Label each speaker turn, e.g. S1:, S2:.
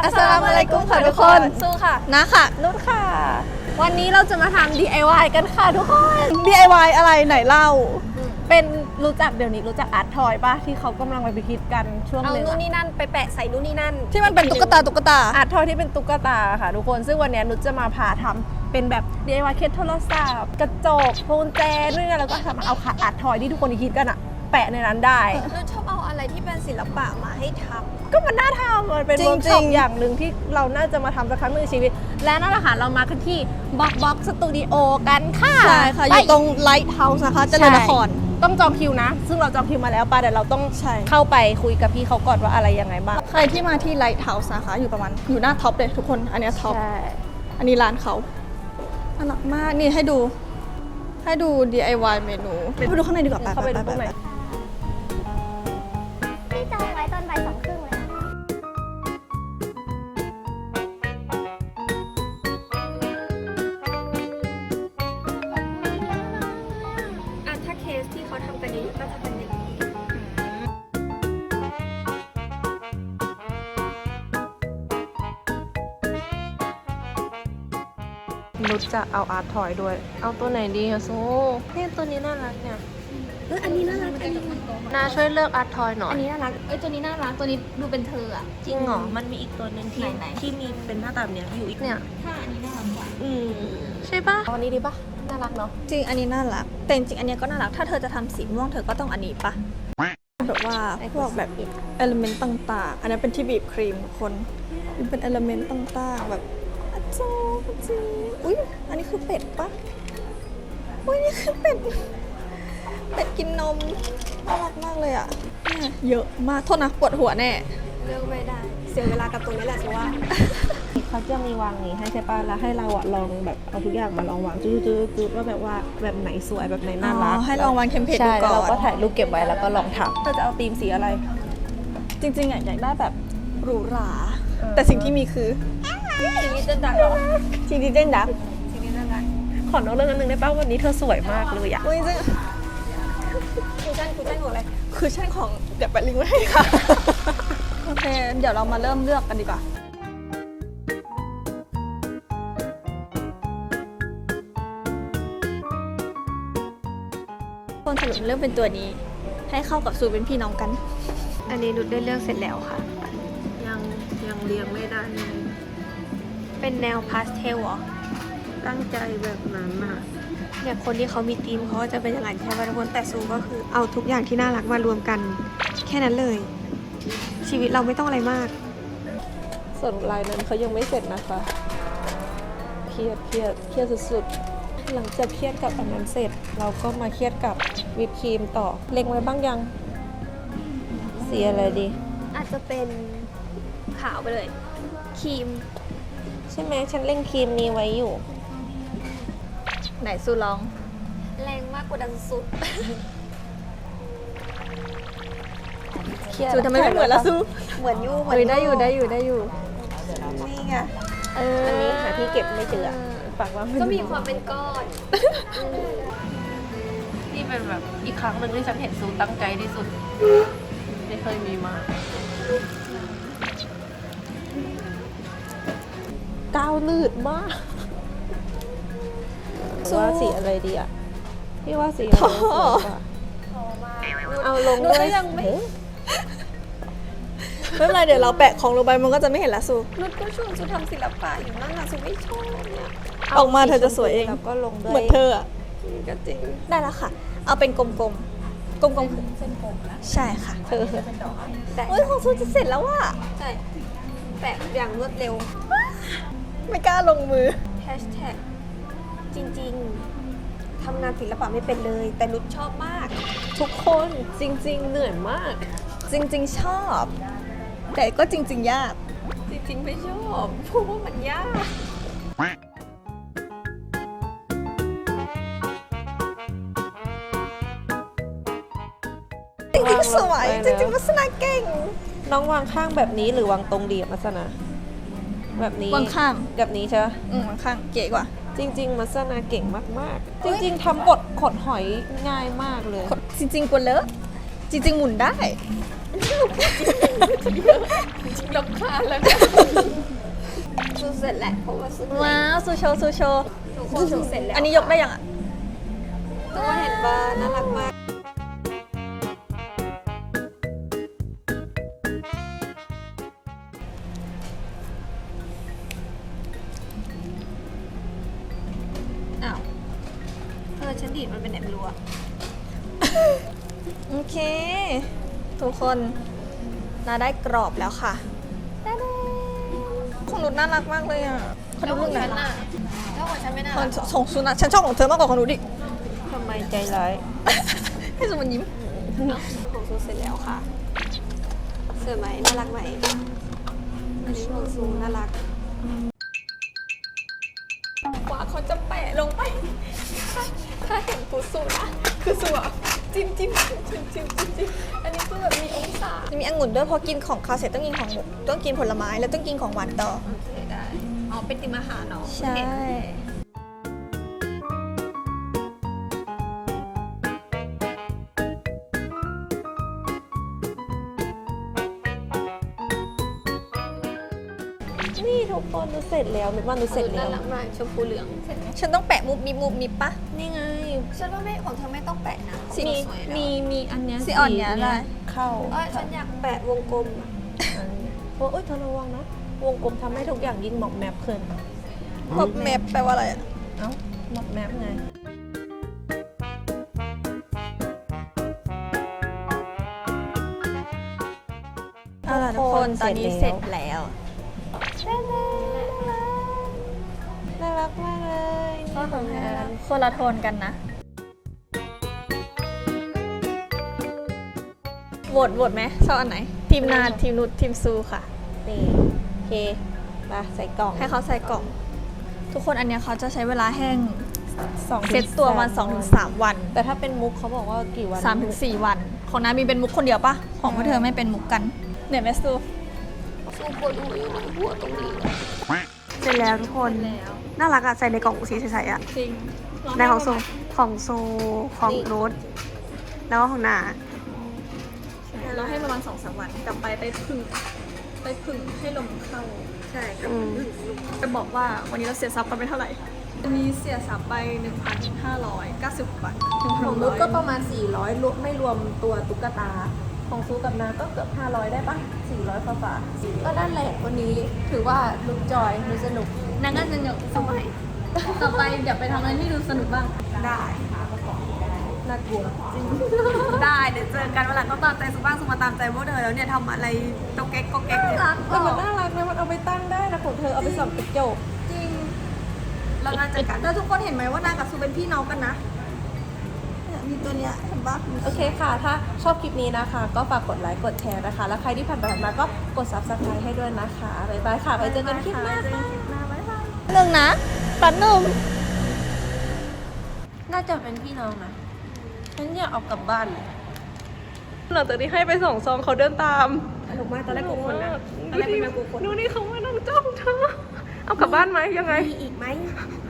S1: อัสสลามุอะลัยกุมค่ะทุกคน
S2: สู้ค่ะ
S1: นะค่ะ
S2: นุชค่ะ วันนี้เราจะมาทำ DIY กันค่ะทุกคน
S1: DIY อะไรไหนเล่า
S2: เป็นเดี๋ยวนี้รู้จักอาร์ตทอยป่ะที่เขากำลังไปคิดกันช่วง
S3: เอา
S2: นึง
S3: นู่นนี่นั่นไปแปะใส่นู่นนี่นั่น
S1: ที่มันเป็นตุ๊กตา
S2: อาร์ตทอยที่เป็นตุ๊กตาค่ะทุกคนซึ่งวันนี้นุชจะมาพาทำเป็นแบบ DIY เคสโทรศัพท์กระจกพวงกุญแจนู่นนี่แล้วก็สามารถเอาอาร์ตทอยที่ทุกคนคิดกันอะแปะในนั้นได้
S3: นุชชอบเอาอะไรที่เป็นศิลปะมาให้ท
S2: ก็มันน่าทำมันเป็น
S1: จริ
S2: เวิ
S1: ง
S2: ร์ก
S1: ๆ
S2: ช็อปอย่างหนึ่งที่เราน่าจะมาทำสักครั้งหนึ่งในชีวิต และนั่นแหละค่ะเรามากันที่บ็อกสตูดิโอกันค่ะ
S1: ใช่ค่ะ อยู่ตรงไลท์เฮาส์นะคะเจริญนคร
S2: ต้องจองคิวนะ ซึ่งเราจองคิวมาแล้วป่ะเดี๋ยวเราต้อง
S1: ใช่
S2: เข้าไปคุยกับพี่เขาก่อนว่าอะไรยังไงบ้าง
S1: ใครที่มาที่ไลท์เฮาส์นะคะ อยู่หน้าท็อปเลยทุกคน อันเนี้ยท็อป
S2: ใช่
S1: อันนี้ร้านเขาน่ารักมาก นี่ให้ดู DIY เมนูไปดูข้างในดีกว่าไป
S2: เข้าไปดูตรงไหน
S4: พี่จองไว้ตอนบ่าย2:30เลยนะคะ
S3: ำถ้าเคสที่เขาทำกันเยอะๆก็จะเป็นอย่างนี้
S2: นุชจะเอาอาร์ตทอยด้วย เอาตัวไหนดีอะซูเนี่ยตัวนี้น่ารักเนี่ย
S3: อันนี้น่ารักอันนี้
S2: นาช่วยเลือกอาร์ตทอยหน่อย
S3: อันนี้น่ารักตัวนี้น่ารักตัวนี้ดูเป็นเธออะ
S2: จริงเหรอมันมีอีกตัวหนึงที่
S3: ไหนๆ
S2: ที่มีเป็นหน้าตาแบบเนี้ยอยู่อีกเนี่ย
S3: ถ้าอันนี้น่ารักกว่า
S2: ใช่ปะเอาอันนี้ดีปะน่ารักเนาะ
S1: จริง อันนี้น่ารัก แต่จริงๆอันเนี้ยก็น่ารัก ถ้าเธอจะทำสีม่วงเธอก็ต้องอันนี้ปะแบบว่าพวกแบบเอลเมนต์ต่างๆ อันนี้เป็นที่บีบครีมทุกคนมันเป็นเอลเมนต์ต่างๆ แบบอาจารย์อุ้ยอันนี้คือเป็ดปะอุ้ยนี่คือเป็ด เป็ดกินนม น่ารักมากเลยอ่ะเนี่ยเยอะมาก โทษนะปวดหัวแน่
S3: เลือกไม่ได้ เสียเวลากับตรงนี้แหละสิว่า
S2: เขาจะมีวางนี้ให้ใช่ปะแล้วให้เราอะลองแบบเอาทุกอย่างมาลองวางจืดๆๆว่าแบบว่าแบบไหนสวยแบบไหนน่ารัก
S1: อ๋อให้ลองวางเทมเพลต
S2: ใช่
S1: ดูก่อน
S2: แล้วเราก็ถ่ายรูปเก็บไว้แล้วก็ลองทำเราจะเอาธีมสีอะไร
S1: จริงๆอยากได้แบบหรูหรา แต่สิ่งที่มีคือ
S3: ทีนี้จะดังเหรอ
S1: สิ่งที่เด่นดัก
S3: ทีนี้น่ารัก
S2: ขอนอกเรื่องนึงได้ป่ะวันนี้เธอสวยมากเลยอะ
S1: อุ้ยจริง
S3: กูจ้างหัวอะไร
S1: คือช่างของเดี๋ยวไปลิงก์ไว้ให้ค่ะ โอเค เดี๋ยวเรามาเริ่มเลือกกันดีกว่า คนสรุปเลือกเป็นตัวนี้ ให้เข้ากับซูเป็นพี่น้องกัน
S3: อันนี้นุชได้เลือกเสร็จแล้วค่ะ
S2: ยังเรียงไม่ได้เลย
S3: เป็นแนวพาสเทลเหรอ
S2: ตั้งใจแบบนั้นอะ
S3: เนี่ยคนที่เขามีธีมเขาก็จะเป็นอย่างนั้นใช่ไหมทุกคนแต่ซูก็คือเอาทุกอย่างที่น่ารักมารวมกัน แค่นั้นเลย ชีวิตเราไม่ต้องอะไรมาก
S2: ส่วนลายนั้นเขายังไม่เสร็จนะคะเครียดสุดๆหลังจากเครียดกับอันนั้นเสร็จ เราก็มาเครียดกับวิปครีมต่อเล็งไว้บ้างยังสีอะไรดี
S3: อาจจะเป็นขาวไปเลยครีม
S2: ใช่ไหมฉันเล็งครีมนี้ไว้อยู่
S1: ไหนซูลอง
S3: แรงมากกว่าดันสุด
S2: เครียด
S1: ซูทำไมไม่เหมือนละซู
S3: เหมือนยูเหมื
S1: เฮ้ยได้อยู่
S3: นี่ไง
S2: อันนี้หาที่เก็บไม่เจอฝากว่า
S3: ก็มีความเป็นก้อน
S2: นี่เป็นแบบอีกครั้งหนึ่งที่ฉันเห็นซูตั้งใจที่สุดไม่เคยมีมาก้าวลืดมากว่าสีอะไรดีอ่ะพี่ว่าสีอะไรสวยกว่าเอาลงด้วย
S3: ยังไม่
S1: ไม่เป็นไรเดี๋ยวเราแปะของลงไปมันก็จะไม่เห็นละซู
S3: นุชก็ชวนซูทำศิลปะอยู่นั่นนะซูไม่ชอบเนี่ย
S1: ออกมาเธอจะสวยเอง
S2: แล้วก็ลงด้วย
S1: เหมือนเธออะ
S3: ก็จริง
S1: ได้แล้วค่ะ เอาเป็นกลมๆ กลมๆคือ
S3: เส้นผมนะ
S1: ใช่ค่ะ
S2: เธอ
S3: แต่
S1: เฮ้ยของซูจะเสร็จแล้วว่ะ
S3: ใช่แปะอย่างรวดเร็ว
S1: ไม่กล้าลงมือ
S3: แฮชแท็กจริงๆทำงานศิลปะไม่เป็นเลย แต่นุชชอบมาก
S2: ทุกคนจริง ๆ เหนื่อยมาก
S1: จริงๆชอบ แต่ก็จริง ๆ ยาก
S3: จริงๆไม่ชอบเพราะว่ามันยาก
S1: จริงๆสวย จริงๆลักษณะเก่ง
S2: น้องวางข้างแบบนี้หรือวางตรงดีอะมัสนาแบบนี้
S1: วางข้าง
S2: แบบนี้ใช่ปะ
S1: วางข้างเก๋กว่า
S2: จริง ๆ มัสนาเก่งมากๆ จริง ๆทำกดขดหอยง่ายมากเลย
S1: จริงๆกวนเลอะจริง ๆ หมุนได้
S3: รำคาญแล้วเสร็จแล้วเพราะว่าซู
S1: ว้าวซูโชว์ซูโชว์
S3: ทุกคนซูเสร็จแล้ว
S1: อันนี้ยกได้ยังอ่ะ
S3: ตัวเห็นบ้าน่ารักมาก
S1: อ้าว
S3: ฉันดีดมันเป็นไหนไม่รู้อะ
S1: โอเค ทุกคนนาได้กรอบแล้วค่ะของนุชน่ารักมากเลยอ่ะขอดูรูปหน่อย
S3: แล้วของฉันไม่น่า
S1: ข
S3: รั
S1: อก งส่งซูนะฉันชอบของเธอมากกว่าของนุชดิ
S2: ทำไมใจร้าย
S1: ให้ซูมันยิ้ม
S3: ของซูเสร็จแล้วค่ะสวยไหมน่ารักไหมอันนี้ของซูน่ารัก
S1: กว่าเขาจะแปะลงไป ถ้าเห็นฟูซูนะ คือซูอะจิ้มจิ้มจิ้มจิ้มจิ้มจิ้มอันนี้คือแบบมีองศาจะมีองุ่นด้วยเพราะกินของคาวเสร็จต้องกินของหมูต้องกินผลไม้แล้วต้องกินของหวานต่อ
S3: โอเคได้ อ๋อ เป็นติมอาหารเนาะ
S1: ใช่
S2: นี่ทุกคนดูเสร็จแล้วนึกว่าดูเสร็จแล้
S3: น่าว รักมากชมพูเหลือง
S1: ฉันต้องแปะมุบมิบปะ
S2: นี่ไง
S3: ฉันว่าไม่ของเธอไม่ต้องแปะนะ
S1: สี
S2: มี
S3: สวยแล้ว
S2: มีอันเนี้ย
S1: สีอ่อนเนี่ยได้
S2: เข้า
S3: ฉันอยากแปะวงกลมอะ
S2: โอ้ยเธอระวังนะ วงกลมทำให้ทุกอย่างยิ่งหมอกแมปขึ้น
S1: ป๊อปแมปแปลว่าอะไรอะ
S2: เอ้าหมอกแมปไง
S1: เอาล่ะทุกคนตอนนี้เสร็จแล้ว
S2: น่ารักมากเลย
S1: ก็ของแทนคนละโทนกันนะโหวตไหมชอบอันไหน ทีมนาทีมนุชทีมซูค่ะ
S2: นี่โอเคมาใส่กล่อง
S1: ให้เขาใส่กล่อง ทุกคนอันเนี้ยเขาจะใช้เวลาแห้ง
S2: 2
S1: เซ็ตตัวมา 2-3 วัน
S2: แต่ถ้าเป็นมุกเขาบอกว่ากี่วัน
S1: 3-4 วัน ของน้ามีเป็นมุกคนเดียวปะของพวกเธอไม่เป็นมุกกันเหนื่อยไหมซู
S3: ซูปวดหัวอยู่ในหัวตรงนี้
S4: เสร็จแล้วทุกคน น่ารักอะใส่ในกล่องสีใสๆอะ
S1: จริง
S4: ในของโซของโน้ตแล้วก็ของนา
S1: เราให้ประมาณ 2-3 วันกลับไปพึ่งให้ลมเข้า ใช่กลับ
S4: อืม
S1: จะบอกว่าวันนี้เราเสียทรัพย์กันไปเท่าไหร่ วันนี้เสียทรัพย์ไป 1,590 บาท
S2: ของมุกก็ประมาณ 400รวมไม่รวมตัวตุ๊กตา ของซูกับนาก็เกือบ 500 ได้ปะ400ฝ่าๆก็นั่นแหละวันนี้ถือว่าลุกจอยดูสนุก
S1: นางก็จะเหนียวสมัยต่อไปเดี๋ยวไปทำอะไรที่ดูสนุกบ้าง
S3: ได้
S2: น่ากลัว
S3: ได้เดี๋ยวเจอกันวันหลังก็ตามใจสุบ้างสุมาตามใจพวกเธอแล้วเนี่ยทำอะไรตกแก๊กก็แก๊กเนี่ย
S2: แต่มันน่ารักนะมันเอาไปตั้งได้นะของเธอเอาไปส่องกระจก
S1: จริงเราน่าจะกันแล้วทุกคนเห็นไหมว่านางกับซูเป็นพี่น้องกันนะเนี่ยมีตัวเนี้ยเห็นปะ
S2: โอเคค่ะ ถ้าชอบคลิปนี้นะคะ ก็ฝากกดไลค์กดแชร์นะคะ แล้วใครที่ผ่านไปผ่านมาก็กด subscribe ให้ด้วยนะคะบ๊ายบายค่ะ ไปเจอกันคลิปหน้าค่ะ
S1: หนึ่งนะปันหนึ่ง
S2: น่าจะเป็นพี่น้องนะฉันอยากเอากลับบ้านหลังจากที่ให้ไปส่งซองเขาเดินตาม
S3: สนุกมากตอนแรกกลัวคนนะตอนแรกเป็นแมวกลัวคน
S2: ดูนี่เขามานั่งจ้องเธอ เอากลับบ้านไหมยังไง
S3: มีอีกไหม